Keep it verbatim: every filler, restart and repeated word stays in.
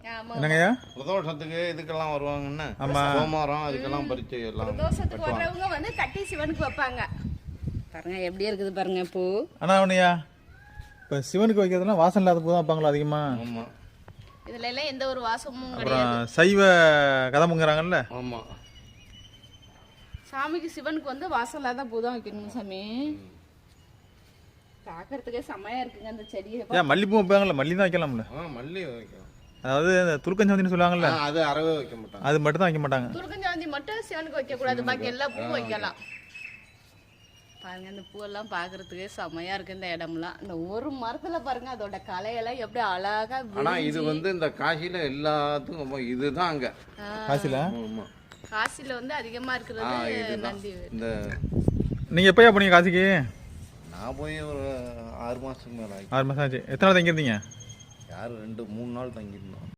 என்னங்கய்யா? பிரதோஷத்துக்கு இதுக்கெல்லாம் வருவாங்கன்னு. ஆமா. சோமாரம் அதுக்கெல்லாம் பறிச்சு எல்லாம். பிரதோஷத்துக்கு வர்றவங்க வந்து கட்டி சிவனுக்கு வைப்பாங்க. பாருங்க எப்படி இருக்குது பாருங்க பூ. ஆனா அவனையா இப்போ சிவனுக்கு வைக்கிறதுலாம் வாசம் இல்லாத பூ தான் வைப்பாங்களா அதிகமா? ஆமா. இதுல எல்லாம் எந்த ஒரு வாசமும் கிடையாது. அப்புறம் சைவ கதம்புங்கறாங்கல்ல? ஆமா. சாமிக்கு சிவனுக்கு வந்து வாசம் இல்லாத பூ தான் வைக்கணும் சாமி. பார்க்கறதுக்கே செமையா இருக்குங்க அந்த செடியை. ஏன் மல்லிப்பூ வைப்பாங்கல்ல? மல்லி தான் வைக்கலாம்ல? ஆ மல்லி வைக்கலாம். அதாவது துலுக்கஞ்சாந்தின்னு சொல்லுவாங்கல்ல? அது அறவே வைக்க மாட்டாங்க. அது மட்டும் தான் வைக்க மாட்டாங்க. துலுக்கஞ்சாந்தி மட்டும் சிவனுக்கு வைக்க கூடாது, பாக்கி எல்லா பூவும் வைக்கலாம். பாருங்க இந்த பூவெல்லாம் பார்க்கறதுக்கே செமையா இருக்கு இந்த இடம்லாம். இந்த ஒரு மரத்துல பாருங்க அதோட கலையெல்லாம் எப்படி அழகா. ஆனா இது வந்து இந்த காசில எல்லாத்துக்கும் இதுதான் அங்க. காசில? ஆமா. காசில வந்து அதிகமா இருக்கிறது நந்தி. இந்த நீங்க எப்பயா போனீங்க காசிக்கு? நான் போய் ஒரு ஆறு மாசத்துக்கு மேல ஆச்சு. ஆறு மாசம் ஆச்சு. எத்தனை நாள் தங்கியிருந்தீங்க? யார் ரெண்டு மூணு நாள் தங்கியிருந்தோம்.